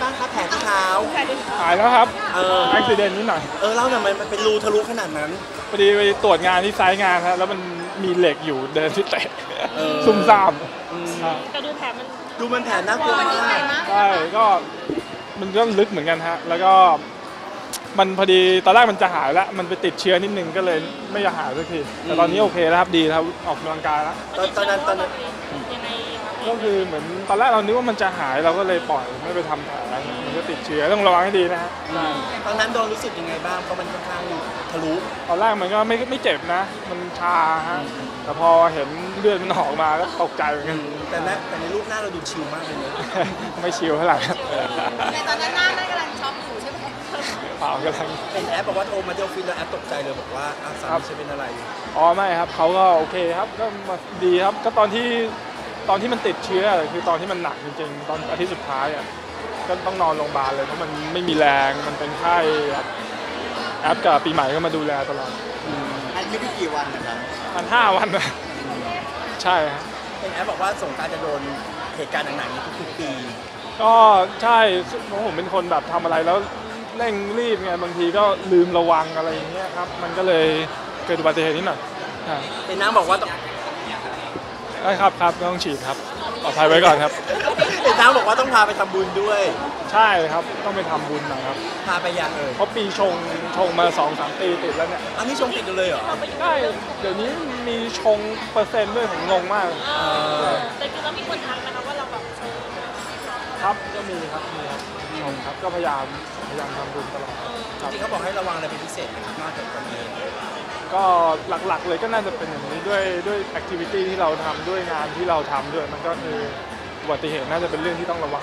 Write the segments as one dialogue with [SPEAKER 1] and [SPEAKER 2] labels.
[SPEAKER 1] างครับแผลที่เท้า
[SPEAKER 2] หายแล้วครับ
[SPEAKER 1] อุ
[SPEAKER 2] บิเหตุนิดหน่อย
[SPEAKER 1] เล่าหน่อยมันเป็นรูทะลุขนาดนั้น
[SPEAKER 2] พอดีไปตรวจงานที่ไซต์งานครับแล้วมันมีเหล็กอยู่เดินที่เตะซุ่มซ่าม
[SPEAKER 3] แต่ดูแผลมัน
[SPEAKER 1] แผลน่ากลัวมาก
[SPEAKER 2] ใช่ก็มันก็ลึกเหมือนกันฮะแล้วก็มันพอดีตอนแรกมันจะหายแล้วมันไปติดเชื้อนิดนึงก็เลยไม่อยากหายสักทีแต่ตอนนี้โอเคแล้วครับดีครับออกกำลังกายแล้ว
[SPEAKER 1] ตอนนั้น
[SPEAKER 3] ยังไง
[SPEAKER 2] ก็คือเหมือนตอนแรกเรานึกว่ามันจะหายเราก็เลยปล่อยไม่ไปทำแผลมันก็ติดเชื้อต้องระวังให้ดีนะฮะ
[SPEAKER 1] ตอนนั้นโดนรู้สึกยังไงบ้างเพราะมันค่อนข้างทะลุ
[SPEAKER 2] ตอนแรกมันก็ไม่เจ็บนะมันชาฮะแต่พอเห็นเลือดมันออกมาก็ตกใจเหมือนกัน
[SPEAKER 1] แต่ในรูปหน้าเราดูชิลมากเลย
[SPEAKER 2] ไม่ชิลเท่าไหร่
[SPEAKER 3] ในตอนนั้นหน้ากำลังช็อกอยู่ใช่ไหม
[SPEAKER 2] เปล่ากำลัง
[SPEAKER 1] เป็นแอปบอกว่าโทรมาเที่ยวฟิตแล้วแอปตกใจเลยบอกว่าสามีจะเป็นอะไร
[SPEAKER 2] อ๋อไม่ครับเขาก็โอเคครับก็มาดีครับก็ตอนที่มันติดเชื้อคือตอนที่มันหนักจริงๆตอนอาทิตย์สุดท้ายอ่ะก็ต้องนอนโรงพยาบาลเลยเพราะมันไม่มีแรงมันเป็นไข้แอปกับปีใหม่ก็มาดูแลตลอด
[SPEAKER 1] อันนี้กี่วันนะครับ
[SPEAKER 2] 5 วันนะใช่ครับ
[SPEAKER 1] เป็นแอปบอกว่าสงกรานต์จะโดนเหตุการณ์หนักๆนี้ทุกๆปี
[SPEAKER 2] ก็ใช่เพราะผมเป็นคนแบบทำอะไรแล้วเร่งรีบไงบางทีก็ลืมระวังอะไรอย่างเงี้ยครับมันก็เลยเกิดอุบัติเหตุนิดหน่อย
[SPEAKER 1] เป็นน้ำบอกว่า
[SPEAKER 2] ได้ครับต้องฉีดครับปลอดภัยไว้ก่อนครับ
[SPEAKER 1] เป็นน้ำบอกว่าต้องพาไปทำบุญด้วย
[SPEAKER 2] ใช่ครับต้องไปทำบุญนะครับ
[SPEAKER 1] พาไปยัง
[SPEAKER 2] เพราะปีชงมา 2-3 ปีติดแล้วเนี่ย
[SPEAKER 1] อันนี้ชงติดเลยเหรอ
[SPEAKER 2] ใช่เดี๋ยวนี้มีชงเปอร์เซ็นต์ด้วยผมงงมาก
[SPEAKER 3] แต่คือเรามีคนทักนะครับว่าเราแบบ
[SPEAKER 2] ครับก็มีครับชงครับก็พยายามทำบุญตลอด
[SPEAKER 1] จริงเขาบอกให้ระวังอะไรเป็นพิเศษนะครับนอกจากตัวนี้
[SPEAKER 2] ก็หลักๆเลยก็น่าจะเป็นอย่างนี้ด้วยแอคทิวิตี้ที่เราทำด้วยงานที่เราทำด้วยมันก็คืออุบัติเหตุน่าจะเป็นเรื่องที่ต้องระวัง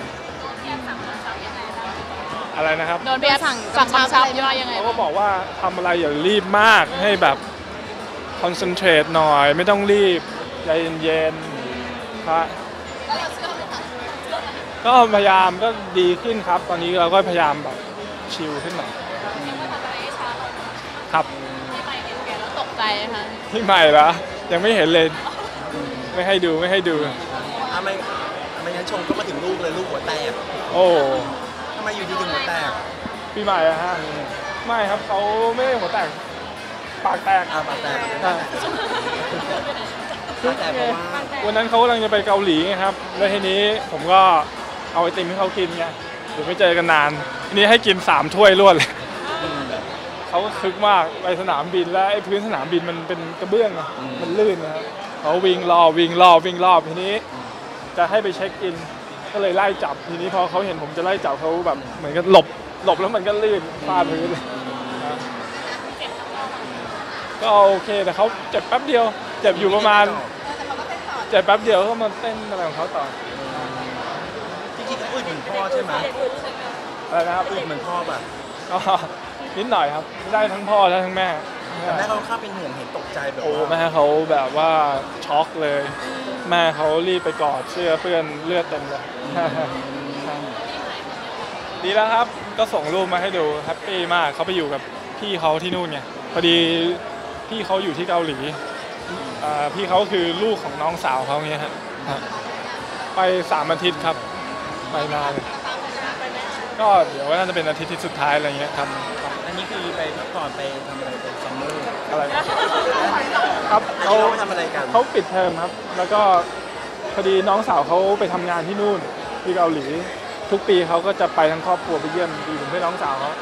[SPEAKER 2] อะไรนะครับ
[SPEAKER 3] โดนเบียร์สั่งชับยังไง
[SPEAKER 2] เขาก็บอกว่าทำอะไรอย่ารีบมากให้แบบคอนเซนเทรตหน่อยไม่ต้องรีบใจเย็นๆครับก็พยายามก็ดีขึ้นครับตอนนี้เราก็พยายามแบบชิลขึ้นหน่อยครับ
[SPEAKER 3] ตกใจค่ะ
[SPEAKER 2] ที่ใหม่เหรอยังไม่เห็นเลยไม่ให้ดู
[SPEAKER 1] ไม่งั้นชงก็มาถึงลูกเลยลูกหัวแตก
[SPEAKER 2] โอ้
[SPEAKER 1] ทำไมอยู่ดีถึงหัวแตก
[SPEAKER 2] ปีใหม่อะฮะไม่ครับเขาไม่ได้หัวแตกปากแตก
[SPEAKER 1] ปากแตก
[SPEAKER 2] วันนั้นเขากำลังจะไปเกาหลีไงครับแล้วทีนี้ผมก็เอาไอติมให้เขากินไงเดี๋ยวไม่เจอกันนานทีนี้ให้กิน3 ถ้วยรวดเลยเขาก็คึกมากไปสนามบินแล้วไอ้พื้นสนามบินมันเป็นกระเบื้องมันลื่นนะครับเขาวิ่งรอบทีนี้จะให้ไปเช็คอินก็เลยไล่จับทีนี้พอเขาเห็นผมจะไล่จับเขาแบบเหมือนกับหลบแล้วมันก็ลื่นฟาดพื้นเลยก็โอเคแต่เขาเจ็บแป๊บเดียวเจ็บอยู่ประมาณเจ็บแป๊บเดียวก็มาเต้นอะไรของเขาต่อ
[SPEAKER 1] จริงๆเขาอึดเหมือนพ่อใช่ไหม
[SPEAKER 2] อะไรนะครับ
[SPEAKER 1] อึดเหมือนพ่อป่ะ
[SPEAKER 2] นิดหน่อยครับได้ทั้งพ่อและทั้งแม่
[SPEAKER 1] แต่แม่เขาข้าเป็นห่วงเห็นตกใจแบบ
[SPEAKER 2] โอ้แม่เขาแบบว่าช็อกเลยแม่เขารีบไปกอดเสื้อเปื้อนเลือดเต็มเลยดีแล้วครับก็ส่งรูปมาให้ดูแฮปปี้มากเขาไปอยู่กับพี่เขาที่นู่นไงพอดีพี่เขาอยู่ที่เกาหลีพี่เขาคือลูกของน้องสาวเขาเงี้ยฮะไป3 อาทิตย์ครับไปนานก็เดี๋ยวน่าจะเป็นอาทิตย์ที่สุดท้ายอะไรเงี้ยครับ
[SPEAKER 1] อันนี้คือไปพักผ่อนไปทำอะไรเป็นซัมเมอร์
[SPEAKER 2] อะไรครับ
[SPEAKER 1] เขาทำอะไรกัน
[SPEAKER 2] เขาปิดเทอมครับแล้วก็พอดีน้องสาวเขาไปทำงานที่นู่นที่เกาหลีทุกปีเขาก็จะไปทั้งครอบครัวไปเยี่ยมดีผมให้น้องสาวเขา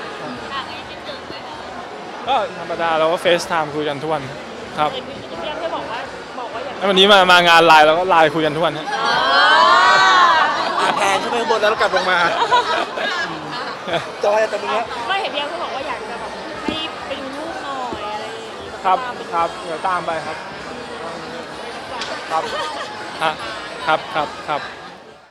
[SPEAKER 2] ก็ธรรมดาเราก็เฟซไทม์คุยกันทุกวันครับแล้ววันนี้มางานไลน์เราก็ไลน์คุยกันทุกวันฮะ
[SPEAKER 1] แพนขึ้นไปข้างบนแล้วกลับลงมาจอยแต่ตรงนี้
[SPEAKER 3] ไม่เห็นพี่เขาบอกว่าอยากจะแบบให้ไปดูลูกหน่อยอะไรอย่างนี้
[SPEAKER 2] ครับเดี๋ยวตามไปครับครับ